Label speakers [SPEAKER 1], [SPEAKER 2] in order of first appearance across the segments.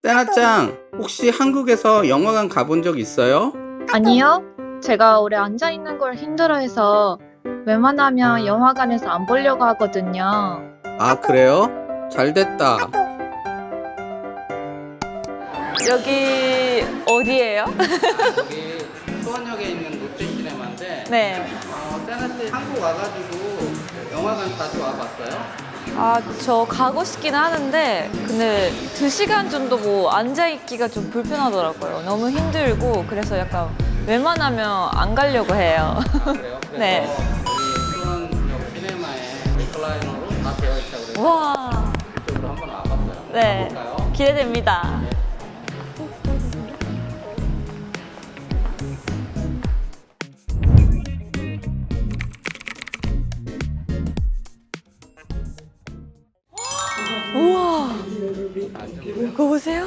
[SPEAKER 1] 세나짱, 혹시 한국에서 영화관 가본 적 있어요?
[SPEAKER 2] 아니요. 제가 오래 앉아 있는 걸 힘들어해서 웬만하면 영화관에서 안 보려고 하거든요.
[SPEAKER 1] 아, 그래요? 잘 됐다.
[SPEAKER 3] 여기 어디예요?
[SPEAKER 1] 여기 수원역에 있는 롯데시네마인데
[SPEAKER 3] 네.
[SPEAKER 1] 세나씨 한국 와가지고 영화관 자주 와봤어요?
[SPEAKER 3] 아, 저 가고 싶긴 하는데 근데 2시간 정도 뭐 앉아있기가 좀 불편하더라고요. 너무 힘들고 그래서 약간 웬만하면 안 가려고 해요.
[SPEAKER 1] 아, 그래요? 그래서
[SPEAKER 3] 네.
[SPEAKER 1] 이 수원역 시네마에 리클라이너로 다 되어 있다고 그래서
[SPEAKER 3] 와,
[SPEAKER 1] 이쪽으로 한번 와봤어요.
[SPEAKER 3] 네.
[SPEAKER 1] 가볼까요?
[SPEAKER 3] 기대됩니다. 우와, 그거 보세요.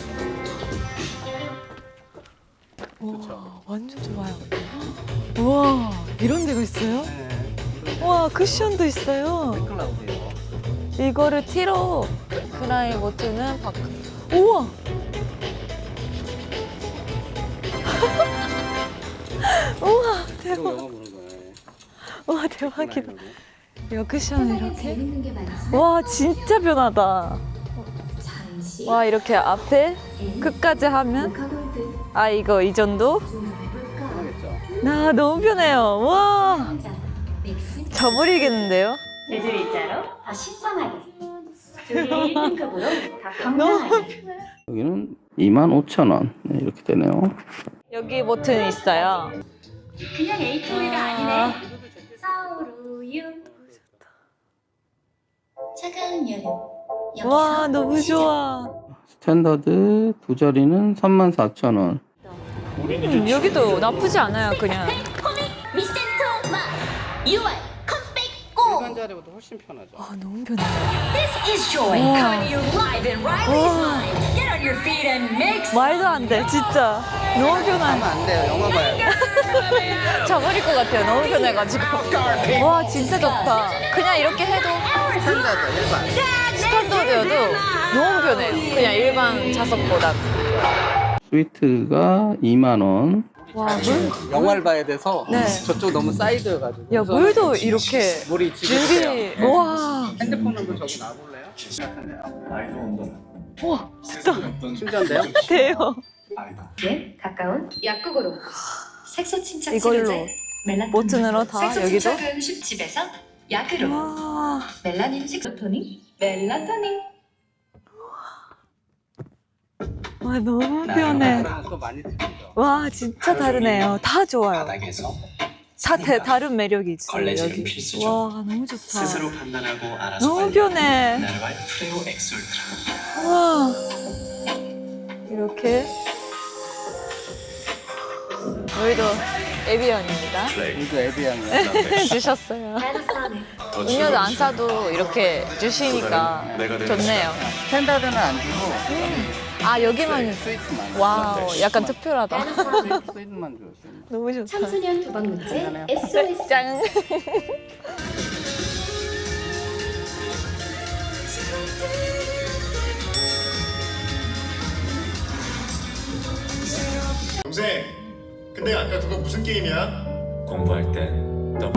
[SPEAKER 3] 와, 완전 좋아요. 우와, 이런 데가 있어요? 우와, 쿠션도 있어요.
[SPEAKER 1] 클라우드요.
[SPEAKER 3] 이거를 티로 크라이 모트는 바꿔. 우와! 우와,
[SPEAKER 1] 또
[SPEAKER 3] 대박.
[SPEAKER 1] 영화 보는 거예요.
[SPEAKER 3] 우와, 대박이다. 이거 쿠션 이렇게.
[SPEAKER 4] 재밌는 게 많지.
[SPEAKER 3] 와, 진짜 변하다.
[SPEAKER 4] 잠시
[SPEAKER 3] 와, 이렇게 앞에 끝까지 하면.
[SPEAKER 4] 카골드
[SPEAKER 3] 아, 이거 이 정도?
[SPEAKER 4] 좀 해볼까?
[SPEAKER 1] 편하겠죠?
[SPEAKER 3] 나 너무 편해요. 와,
[SPEAKER 4] 한잔 믹스
[SPEAKER 3] 저버리겠는데요?
[SPEAKER 4] 제주 일자로 더 신선하게 둘이 등급으로 더 건강하게
[SPEAKER 1] 여기는 25,000원 이렇게 되네요.
[SPEAKER 3] 여기 버튼 있어요.
[SPEAKER 4] 그냥 에이토리가 아니네 서울우유 차가운 여름 여기서
[SPEAKER 3] 와, 너무
[SPEAKER 4] 시작.
[SPEAKER 3] 좋아.
[SPEAKER 1] 스탠더드 두 자리는 34,000원.
[SPEAKER 3] 여기도 나쁘지 않아요, 그냥.
[SPEAKER 4] 미센토 마 6월 컴백고
[SPEAKER 1] 일반 자리보다 훨씬 편하죠.
[SPEAKER 3] 아, 너무 편해.
[SPEAKER 4] This is Joy
[SPEAKER 3] 우와.
[SPEAKER 4] coming to you live in Riley's
[SPEAKER 3] 우와.
[SPEAKER 4] Mind. Get on your feet and mix.
[SPEAKER 3] 말도 안 돼, 진짜. 너무 편해.
[SPEAKER 1] 하면 안 돼요. 영화 봐요.
[SPEAKER 3] 저버릴 것 같아요, 너무 편해가지고. 와, 진짜 좋다. 그냥 이렇게 해도
[SPEAKER 1] 스탠더드 일반.
[SPEAKER 3] 스탠더드여도 너무 편해요. 그냥 일반 좌석보다.
[SPEAKER 1] 스위트가 2만 원.
[SPEAKER 3] 와, 물?
[SPEAKER 1] 영화를 봐야 돼서
[SPEAKER 3] 네.
[SPEAKER 1] 저쪽 너무 사이드여가지고.
[SPEAKER 3] 야, 물도 이렇게
[SPEAKER 1] 물이 지금
[SPEAKER 3] 준비. 와,
[SPEAKER 1] 핸드폰으로 저기 놔볼래요? 같은데요.
[SPEAKER 3] 와, 진짜
[SPEAKER 1] 충전돼요?
[SPEAKER 3] 돼요.
[SPEAKER 4] 예, 가까운 약국으로 색소 침착
[SPEAKER 3] 이걸로
[SPEAKER 4] 치료제 멜라토닌
[SPEAKER 3] 버튼으로 다
[SPEAKER 4] 색소
[SPEAKER 3] 여기도.
[SPEAKER 4] 침착은 쉽집에서 약으로
[SPEAKER 3] 와,
[SPEAKER 4] 멜라닌 색소 토닉 멜라토닌
[SPEAKER 3] 와, 너무 편해.
[SPEAKER 1] 그러면 또 많이 틀리죠.
[SPEAKER 3] 와, 진짜 다르네요. 다 좋아요.
[SPEAKER 5] 바닥에서
[SPEAKER 3] 다 다른 매력이 있어요,
[SPEAKER 5] 걸레질은
[SPEAKER 3] 여기.
[SPEAKER 5] 필수죠.
[SPEAKER 3] 와, 너무 좋다.
[SPEAKER 5] 스스로 판단하고 알아서
[SPEAKER 3] 너무
[SPEAKER 5] 관리하는
[SPEAKER 3] 편해.
[SPEAKER 5] 나르발 프레오 엑솔트라.
[SPEAKER 3] 와, 이렇게. 저희도 에비언입니다.
[SPEAKER 1] 이거 에비앙이요.
[SPEAKER 3] 주셨어요.
[SPEAKER 5] 더
[SPEAKER 3] 음료도 안 사도 이렇게 주시니까 좋네요.
[SPEAKER 1] 스탠더드는 안 주고
[SPEAKER 3] 아, 여기만.
[SPEAKER 1] 스위트만.
[SPEAKER 3] 와우, 약간 특별하다.
[SPEAKER 1] 스위트만 줬어요.
[SPEAKER 3] 너무 좋다.
[SPEAKER 4] 청소년 도박문제 SOS
[SPEAKER 3] 짱.
[SPEAKER 6] 동생, 근데 아까 그거 무슨 게임이야?
[SPEAKER 5] 공부할 땐 너.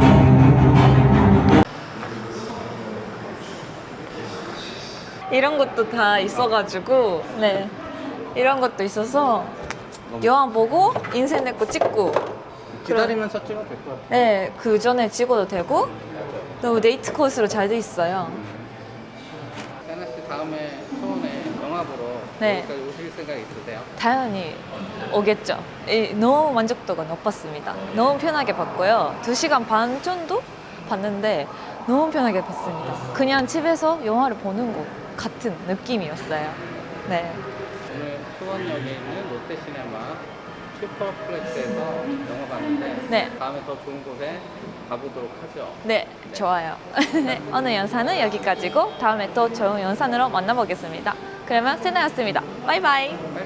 [SPEAKER 3] 이런 것도 다 있어가지고, 네. 이런 것도 있어서 영화 보고 인생 내 거 찍고,
[SPEAKER 1] 기다리면서 찍어도 될 것 같아요.
[SPEAKER 3] 네, 그 전에 찍어도 되고, 너무 데이트 코스로 잘 돼 있어요.
[SPEAKER 1] 세나 씨 다음에 수원에 영화 보러
[SPEAKER 3] 네.
[SPEAKER 1] 여기까지 오실 생각 있으세요?
[SPEAKER 3] 당연히 오겠죠. 너무 만족도가 높았습니다. 너무 편하게 봤고요. 2시간 반 정도 봤는데 너무 편하게 봤습니다. 그냥 집에서 영화를 보는 것 같은 느낌이었어요. 네.
[SPEAKER 1] 오늘 수원역에 있는 롯데시네마 슈퍼플렉스에서 영화 봤는데
[SPEAKER 3] 네.
[SPEAKER 1] 다음에 더 좋은 곳에 가보도록 하죠.
[SPEAKER 3] 네, 좋아요. 네, 오늘 영상은 여기까지고 다음에 또 좋은 영상으로 만나보겠습니다. 그러면 세나였습니다. 바이바이.